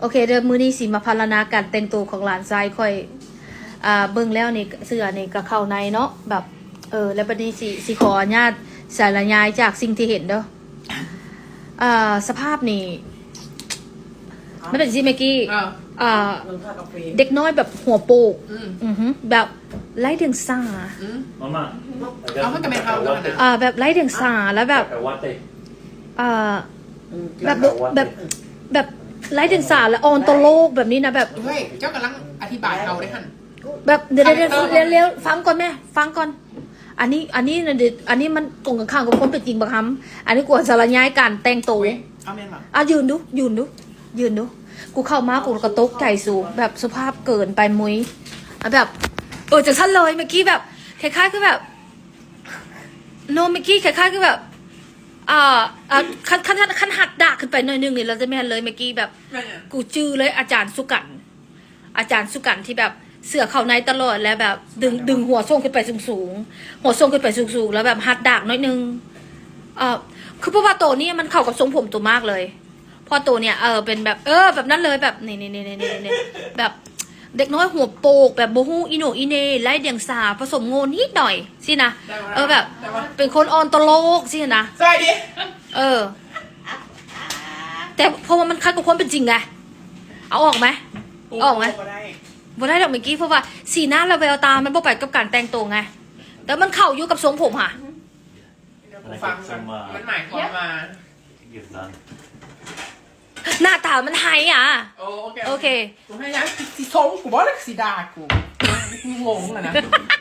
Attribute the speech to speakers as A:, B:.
A: โอเคเดี๋ยวมื้อนี้สิมาพารณาการแต่งตัวของหลานชายค่อยเบิ่งแล้วนี่เสื้อนี่ก็เข้าในเนาะแบบแล้วบัดนี้สิขออนุญาตสารยายจากสิ่งที่เห็นเด้อสภาพนี่ไม่เป็นสิเมื่อกี้เด็กน้อยแบบหัวโปกแบบไร้เดียงสา
B: เอามันก็ไม่เอาแล้วนะ
A: แบบไร้เดียงสาแล้วแบบแบบไร้เดียงสาและออนตโลกแบบนี้นะแบบ
B: เฮ้ยเจ้ากำลังอธิบายเอาได้หัน
A: แบบเดี๋ยวฟังก่อนแม่ฟังก่อนอันนี้มันตรงกันข้ามกับคนเป็นจริงบางคำอันนี้กวนสารย้ายการแต่งตัว
B: เอาแม่มา
A: ยืนดูกูเข้ามากูกระตกใจสูงแบบสภาพเกินไปมุ้ยแบบจากชั้นเลยเมื่อกี้แบบคล้ายๆคือแบบโนเมื่อกี้คล้ายๆคือแบบขั้นหักดาขึ้นไปหน่อยนึงเนี่ยเราจะไม่เห็นเลยเมื่อกี้แบบกูจื้อเลยอาจารย์สุกันที่แบบเสือเข้าในตลอดแล้วแบบดึงหัวส่งขึ้นไปสูงหัวส่งขึ้นไปสูงแล้วแบบหัดดากน้อยนึงคือเพราะว่าโตนี่มันเข้ากับทรงผมตัวมากเลยพอตัวเนี่ยเป็นแบบแบบนั้นเลยแบบนี่แบบเด็กน้อยหัวโปกแบบโบฮูอิโนอิเนไล่เดียงสาผสมโง่นิดหน่อยสินะแบบเป็นคนออนตโลกสินะ
B: ใช่ดิ
A: แต่เพราะว่ามันคัดกับความเป็นจริงไงเอาออกไหมบ่ได้ดอกเมื่อกี้เพราะว่าสีหน้าเราแววตามันบ่ไปกับการแต่งตัวไงแต่มันเข้าอยู่กับทรงผมค่ะ
B: ฟังมันหมายความมา
A: หน้าตามันไฮ
B: โอเคกูให้ยังสีส้มกูบอกเลยสีดากูงงเลยนะ